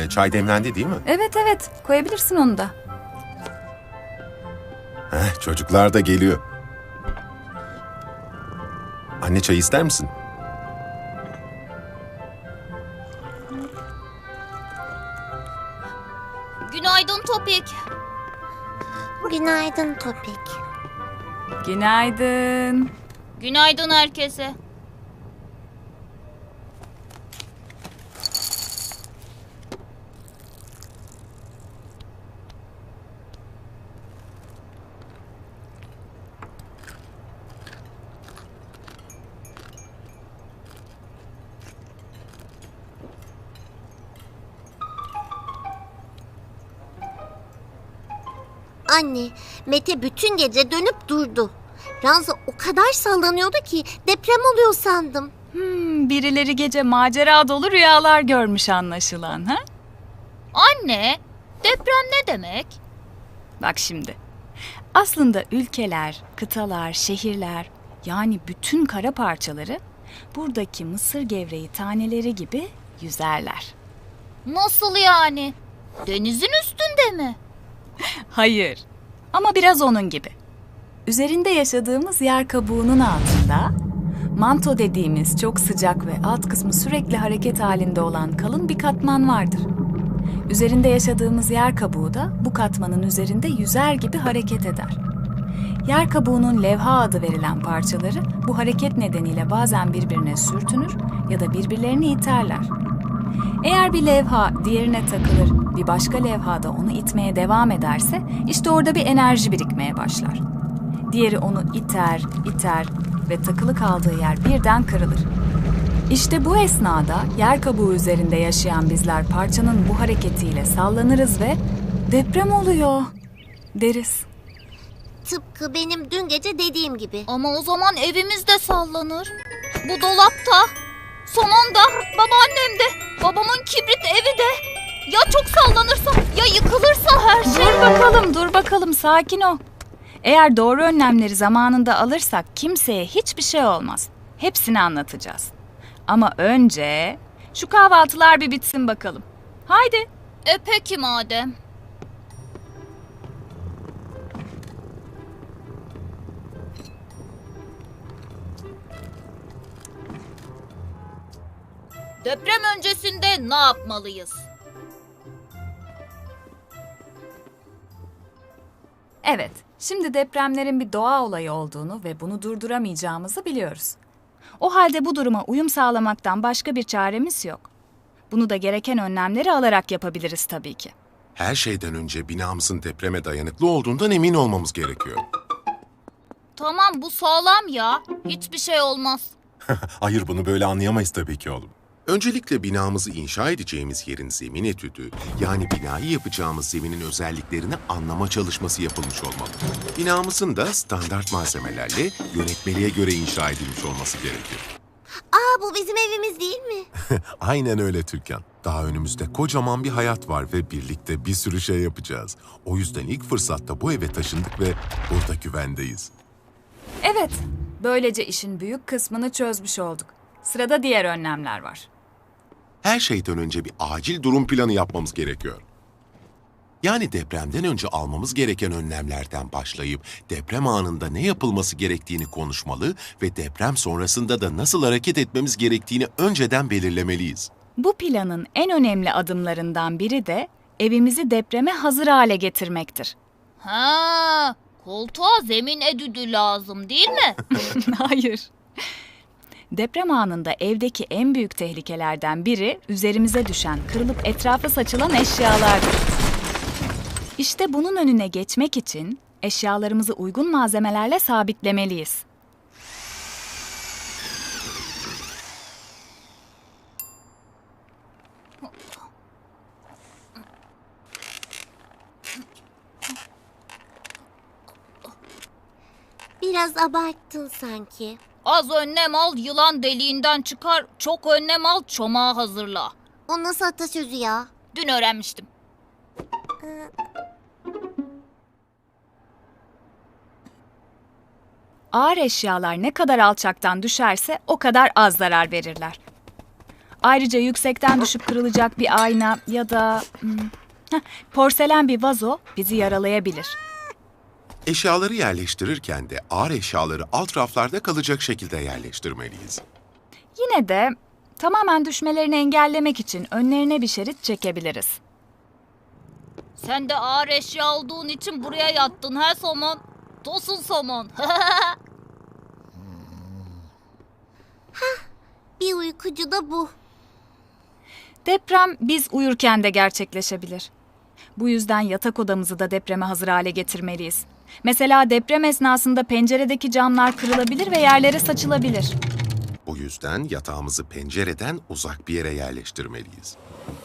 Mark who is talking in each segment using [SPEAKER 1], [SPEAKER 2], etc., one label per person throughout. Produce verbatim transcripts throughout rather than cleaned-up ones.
[SPEAKER 1] Ee, çay demlendi değil mi?
[SPEAKER 2] Evet evet, koyabilirsin onu da.
[SPEAKER 1] Heh, çocuklar da geliyor. Anne çay ister misin?
[SPEAKER 3] Günaydın Topik.
[SPEAKER 4] Günaydın Topik.
[SPEAKER 2] Günaydın.
[SPEAKER 3] Günaydın herkese.
[SPEAKER 4] Anne, Mete bütün gece dönüp durdu. Ranza o kadar sallanıyordu ki deprem oluyor sandım.
[SPEAKER 2] Hmm, birileri gece macera dolu rüyalar görmüş anlaşılan, ha?
[SPEAKER 3] Anne, deprem ne demek?
[SPEAKER 2] Bak şimdi. Aslında ülkeler, kıtalar, şehirler, yani bütün kara parçaları buradaki mısır gevreği taneleri gibi yüzerler.
[SPEAKER 3] Nasıl yani? Denizin üstünde mi?
[SPEAKER 2] Hayır, ama biraz onun gibi. Üzerinde yaşadığımız yer kabuğunun altında, manto dediğimiz çok sıcak ve alt kısmı sürekli hareket halinde olan kalın bir katman vardır. Üzerinde yaşadığımız yer kabuğu da bu katmanın üzerinde yüzer gibi hareket eder. Yer kabuğunun levha adı verilen parçaları bu hareket nedeniyle bazen birbirine sürtünür ya da birbirlerini iterler. Eğer bir levha diğerine takılır, bir başka levha da onu itmeye devam ederse işte orada bir enerji birikmeye başlar. Diğeri onu iter, iter ve takılı kaldığı yer birden kırılır. İşte bu esnada yer kabuğu üzerinde yaşayan bizler parçanın bu hareketiyle sallanırız ve deprem oluyor deriz.
[SPEAKER 4] Tıpkı benim dün gece dediğim gibi.
[SPEAKER 3] Ama o zaman evimiz de sallanır. Bu dolapta, sonunda babaannem de, babamın kibrit evi de. Ya çok sallanırsa, ya yıkılırsa her şey.
[SPEAKER 2] Dur bakalım, dur bakalım, sakin ol. Eğer doğru önlemleri zamanında alırsak kimseye hiçbir şey olmaz. Hepsini anlatacağız. Ama önce şu kahvaltılar bir bitsin bakalım. Haydi.
[SPEAKER 3] E peki madem. Deprem öncesinde ne yapmalıyız?
[SPEAKER 2] Evet, şimdi depremlerin bir doğa olayı olduğunu ve bunu durduramayacağımızı biliyoruz. O halde bu duruma uyum sağlamaktan başka bir çaremiz yok. Bunu da gereken önlemleri alarak yapabiliriz tabii ki.
[SPEAKER 1] Her şeyden önce binamızın depreme dayanıklı olduğundan emin olmamız gerekiyor.
[SPEAKER 3] Tamam bu sağlam ya. Hiçbir şey olmaz.
[SPEAKER 1] Hayır, bunu böyle anlayamayız tabii ki oğlum. Öncelikle binamızı inşa edeceğimiz yerin zemin etüdü, yani binayı yapacağımız zeminin özelliklerini anlama çalışması yapılmış olmalı. Binamızın da standart malzemelerle yönetmeliğe göre inşa edilmiş olması gerekir.
[SPEAKER 4] Aa, bu bizim evimiz değil mi?
[SPEAKER 1] Aynen öyle Türkan. Daha önümüzde kocaman bir hayat var ve birlikte bir sürü şey yapacağız. O yüzden ilk fırsatta bu eve taşındık ve burada güvendeyiz.
[SPEAKER 2] Evet, böylece işin büyük kısmını çözmüş olduk. Sırada diğer önlemler var.
[SPEAKER 1] Her şeyden önce bir acil durum planı yapmamız gerekiyor. Yani depremden önce almamız gereken önlemlerden başlayıp deprem anında ne yapılması gerektiğini konuşmalı ve deprem sonrasında da nasıl hareket etmemiz gerektiğini önceden belirlemeliyiz.
[SPEAKER 2] Bu planın en önemli adımlarından biri de evimizi depreme hazır hale getirmektir.
[SPEAKER 3] Ha, koltuğa zemin edüdü lazım değil mi?
[SPEAKER 2] Hayır. Deprem anında evdeki en büyük tehlikelerden biri üzerimize düşen, kırılıp etrafa saçılan eşyalardır. İşte bunun önüne geçmek için eşyalarımızı uygun malzemelerle sabitlemeliyiz.
[SPEAKER 4] Biraz abarttın sanki.
[SPEAKER 3] Az önlem al, yılan deliğinden çıkar. Çok önlem al, çomağı hazırla.
[SPEAKER 4] O nasıl atasözü ya?
[SPEAKER 3] Dün öğrenmiştim.
[SPEAKER 2] Ağır eşyalar ne kadar alçaktan düşerse o kadar az zarar verirler. Ayrıca yüksekten düşüp kırılacak bir ayna ya da hmm, heh, porselen bir vazo bizi yaralayabilir.
[SPEAKER 1] Eşyaları yerleştirirken de ağır eşyaları alt raflarda kalacak şekilde yerleştirmeliyiz.
[SPEAKER 2] Yine de tamamen düşmelerini engellemek için önlerine bir şerit çekebiliriz.
[SPEAKER 3] Sen de ağır eşya olduğun için buraya yattın he somon. Tosun somon.
[SPEAKER 4] Bir uykucu da bu.
[SPEAKER 2] Deprem biz uyurken de gerçekleşebilir. Bu yüzden yatak odamızı da depreme hazır hale getirmeliyiz. Mesela deprem esnasında penceredeki camlar kırılabilir ve yerlere saçılabilir.
[SPEAKER 1] Bu yüzden yatağımızı pencereden uzak bir yere yerleştirmeliyiz.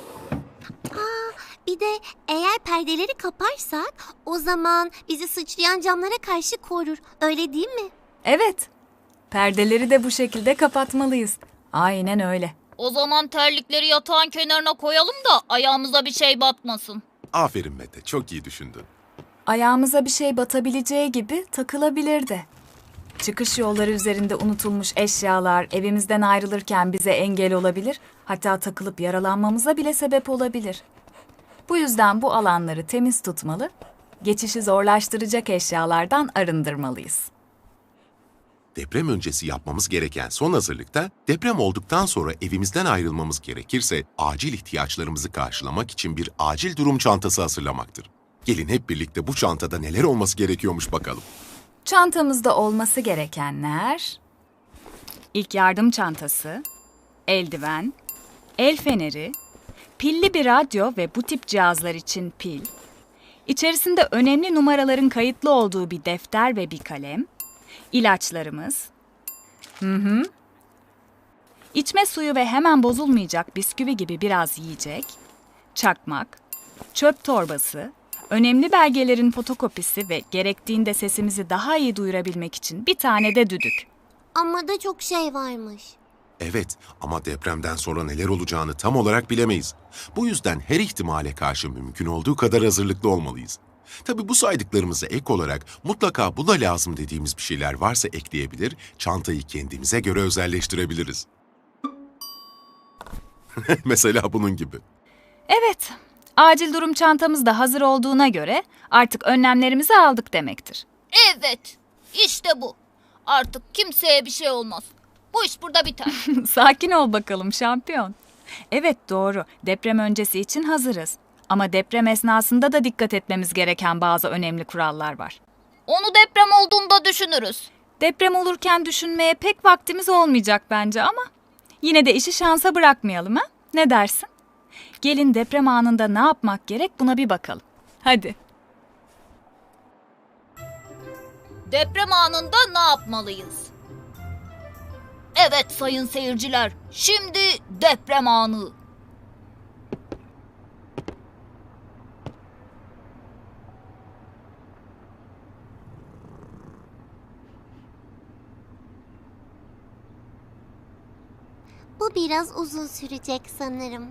[SPEAKER 4] Bir de eğer perdeleri kaparsak o zaman bizi sıçrayan camlara karşı korur. Öyle değil mi?
[SPEAKER 2] Evet, perdeleri de bu şekilde kapatmalıyız. Aynen öyle.
[SPEAKER 3] O zaman terlikleri yatağın kenarına koyalım da ayağımıza bir şey batmasın.
[SPEAKER 1] Aferin Mete, çok iyi düşündün.
[SPEAKER 2] Ayağımıza bir şey batabileceği gibi takılabilir de. Çıkış yolları üzerinde unutulmuş eşyalar evimizden ayrılırken bize engel olabilir, hatta takılıp yaralanmamıza bile sebep olabilir. Bu yüzden bu alanları temiz tutmalı, geçişi zorlaştıracak eşyalardan arındırmalıyız.
[SPEAKER 1] Deprem öncesi yapmamız gereken son hazırlıkta, deprem olduktan sonra evimizden ayrılmamız gerekirse acil ihtiyaçlarımızı karşılamak için bir acil durum çantası hazırlamaktır. Gelin hep birlikte bu çantada neler olması gerekiyormuş bakalım.
[SPEAKER 2] Çantamızda olması gerekenler: İlk yardım çantası, eldiven, el feneri, pilli bir radyo ve bu tip cihazlar için pil, içerisinde önemli numaraların kayıtlı olduğu bir defter ve bir kalem, ilaçlarımız, hı hı, içme suyu ve hemen bozulmayacak bisküvi gibi biraz yiyecek, çakmak, çöp torbası, önemli belgelerin fotokopisi ve gerektiğinde sesimizi daha iyi duyurabilmek için bir tane de düdük.
[SPEAKER 4] Ama da çok şey varmış.
[SPEAKER 1] Evet, ama depremden sonra neler olacağını tam olarak bilemeyiz. Bu yüzden her ihtimale karşı mümkün olduğu kadar hazırlıklı olmalıyız. Tabii bu saydıklarımıza ek olarak mutlaka bu da lazım dediğimiz bir şeyler varsa ekleyebilir, çantayı kendimize göre özelleştirebiliriz. Mesela bunun gibi.
[SPEAKER 2] Evet, acil durum çantamız da hazır olduğuna göre artık önlemlerimizi aldık demektir.
[SPEAKER 3] Evet, işte bu. Artık kimseye bir şey olmaz. Bu iş burada biter.
[SPEAKER 2] Sakin ol bakalım şampiyon. Evet doğru, deprem öncesi için hazırız. Ama deprem esnasında da dikkat etmemiz gereken bazı önemli kurallar var.
[SPEAKER 3] Onu deprem olduğunda düşünürüz.
[SPEAKER 2] Deprem olurken düşünmeye pek vaktimiz olmayacak bence ama yine de işi şansa bırakmayalım ha? Ne dersin? Gelin deprem anında ne yapmak gerek buna bir bakalım. Hadi.
[SPEAKER 3] Deprem anında ne yapmalıyız? Evet sayın seyirciler, şimdi deprem anı.
[SPEAKER 4] Bu biraz uzun sürecek sanırım.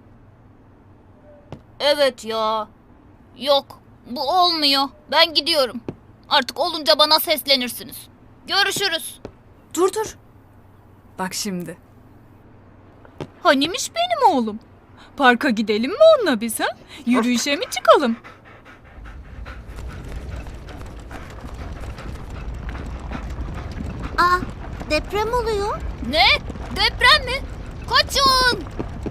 [SPEAKER 3] Evet ya. Yok, bu olmuyor. Ben gidiyorum. Artık olunca bana seslenirsiniz. Görüşürüz.
[SPEAKER 2] Dur dur. Bak şimdi. Hanimiş benim oğlum? Parka gidelim mi onunla biz ha? Yürüyüşe mi çıkalım?
[SPEAKER 4] Aa, deprem oluyor.
[SPEAKER 3] Ne? Deprem mi? Kaçın!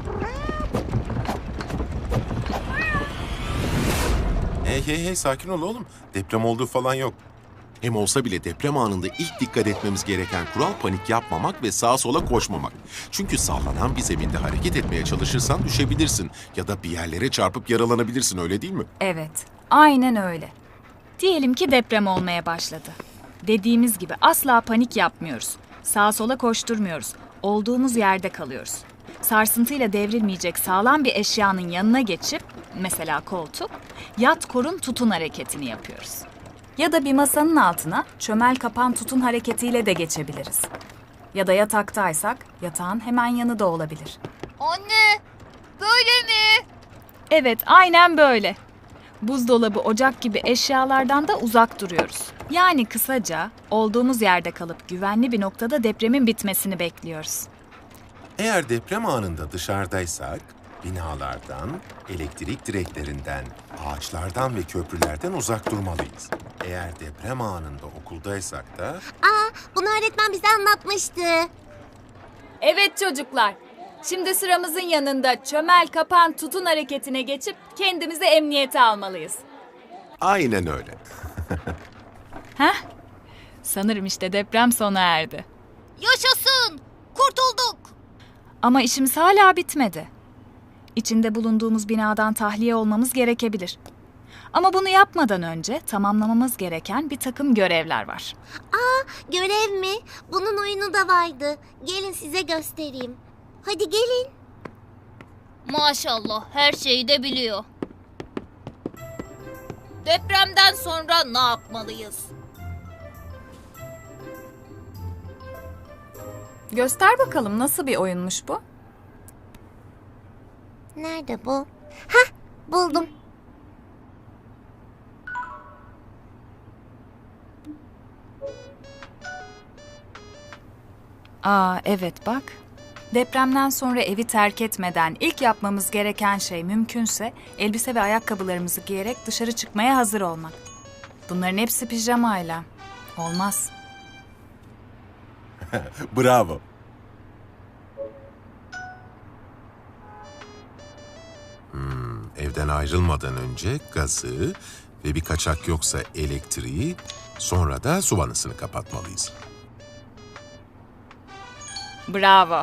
[SPEAKER 1] Hey hey hey sakin ol oğlum. Deprem olduğu falan yok. Hem olsa bile deprem anında ilk dikkat etmemiz gereken kural panik yapmamak ve sağa sola koşmamak. Çünkü sallanan bir zeminde hareket etmeye çalışırsan düşebilirsin ya da bir yerlere çarpıp yaralanabilirsin, öyle değil mi?
[SPEAKER 2] Evet, aynen öyle. Diyelim ki deprem olmaya başladı. Dediğimiz gibi asla panik yapmıyoruz. Sağa sola koşturmuyoruz. Olduğumuz yerde kalıyoruz. Sarsıntıyla devrilmeyecek sağlam bir eşyanın yanına geçip, mesela koltuk, yat korun tutun hareketini yapıyoruz. Ya da bir masanın altına çömel kapan tutun hareketiyle de geçebiliriz. Ya da yataktaysak yatağın hemen yanı da olabilir.
[SPEAKER 3] Anne, böyle mi?
[SPEAKER 2] Evet, aynen böyle. Buzdolabı, ocak gibi eşyalardan da uzak duruyoruz. Yani kısaca olduğumuz yerde kalıp güvenli bir noktada depremin bitmesini bekliyoruz.
[SPEAKER 1] Eğer deprem anında dışarıdaysak, binalardan, elektrik direklerinden, ağaçlardan ve köprülerden uzak durmalıyız. Eğer deprem anında okuldaysak da
[SPEAKER 4] Aa, bunu öğretmen bize anlatmıştı.
[SPEAKER 2] Evet çocuklar. Şimdi sıramızın yanında çömel kapan tutun hareketine geçip kendimizi emniyete almalıyız.
[SPEAKER 1] aynen öyle.
[SPEAKER 2] Heh. Sanırım işte deprem sona erdi.
[SPEAKER 3] Yaşasın! Kurtulduk!
[SPEAKER 2] Ama işimiz hala bitmedi. İçinde bulunduğumuz binadan tahliye olmamız gerekebilir. Ama bunu yapmadan önce tamamlamamız gereken bir takım görevler var.
[SPEAKER 4] Görev mi? Bunun oyunu da vardı. Gelin size göstereyim. Hadi gelin.
[SPEAKER 3] Maşallah her şeyi de biliyor. Depremden sonra ne yapmalıyız?
[SPEAKER 2] Göster bakalım nasıl bir oyunmuş bu?
[SPEAKER 4] Nerede bu? Hah, buldum.
[SPEAKER 2] Aa evet bak. Depremden sonra evi terk etmeden ilk yapmamız gereken şey mümkünse elbise ve ayakkabılarımızı giyerek dışarı çıkmaya hazır olmak. Bunların hepsi pijamayla. Olmaz.
[SPEAKER 1] Bravo. Hmm, evden ayrılmadan önce gazı ve bir kaçak yoksa elektriği, sonra da su vanasını kapatmalıyız.
[SPEAKER 2] Bravo.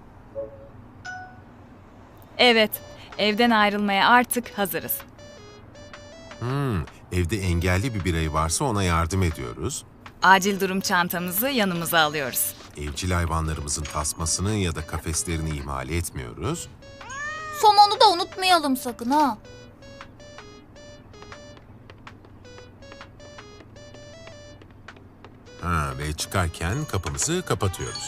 [SPEAKER 2] Evet, evden ayrılmaya artık hazırız.
[SPEAKER 1] Hmm, evde engelli bir birey varsa ona yardım ediyoruz.
[SPEAKER 2] Acil durum çantamızı yanımıza alıyoruz.
[SPEAKER 1] Evcil hayvanlarımızın tasmasını ya da kafeslerini ihmal etmiyoruz.
[SPEAKER 3] Somonu da unutmayalım sakın ha.
[SPEAKER 1] Ha, ve çıkarken kapımızı kapatıyoruz.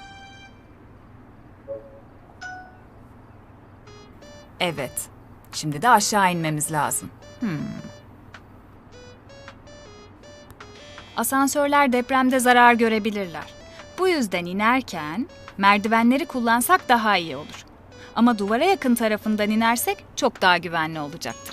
[SPEAKER 2] Evet, şimdi de aşağı inmemiz lazım. Hmm. Asansörler depremde zarar görebilirler. Bu yüzden inerken merdivenleri kullansak daha iyi olur. Ama duvara yakın tarafından inersek çok daha güvenli olacaktır.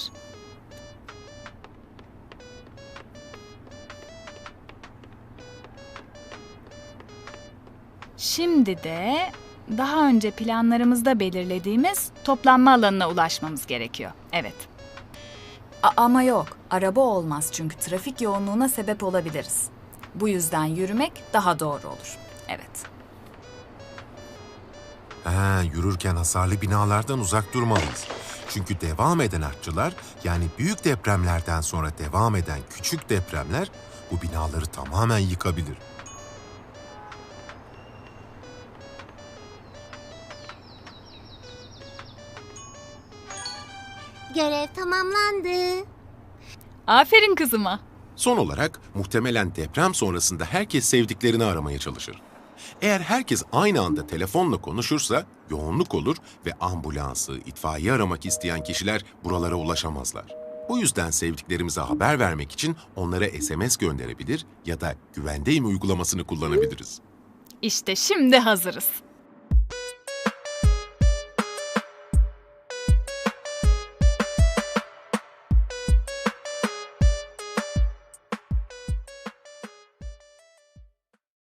[SPEAKER 2] Şimdi de daha önce planlarımızda belirlediğimiz toplanma alanına ulaşmamız gerekiyor. Evet. A- ama yok, araba olmaz çünkü trafik yoğunluğuna sebep olabiliriz. Bu yüzden yürümek daha doğru olur. Evet.
[SPEAKER 1] Ha, yürürken hasarlı binalardan uzak durmalıyız. Çünkü devam eden artçılar, yani büyük depremlerden sonra devam eden küçük depremler bu binaları tamamen yıkabilir.
[SPEAKER 4] Görev tamamlandı.
[SPEAKER 2] Aferin kızıma.
[SPEAKER 1] Son olarak muhtemelen deprem sonrasında herkes sevdiklerini aramaya çalışır. Eğer herkes aynı anda telefonla konuşursa yoğunluk olur ve ambulansı, itfaiye aramak isteyen kişiler buralara ulaşamazlar. Bu yüzden sevdiklerimize haber vermek için onlara S M S gönderebilir ya da güvendeyim uygulamasını kullanabiliriz.
[SPEAKER 2] İşte şimdi hazırız.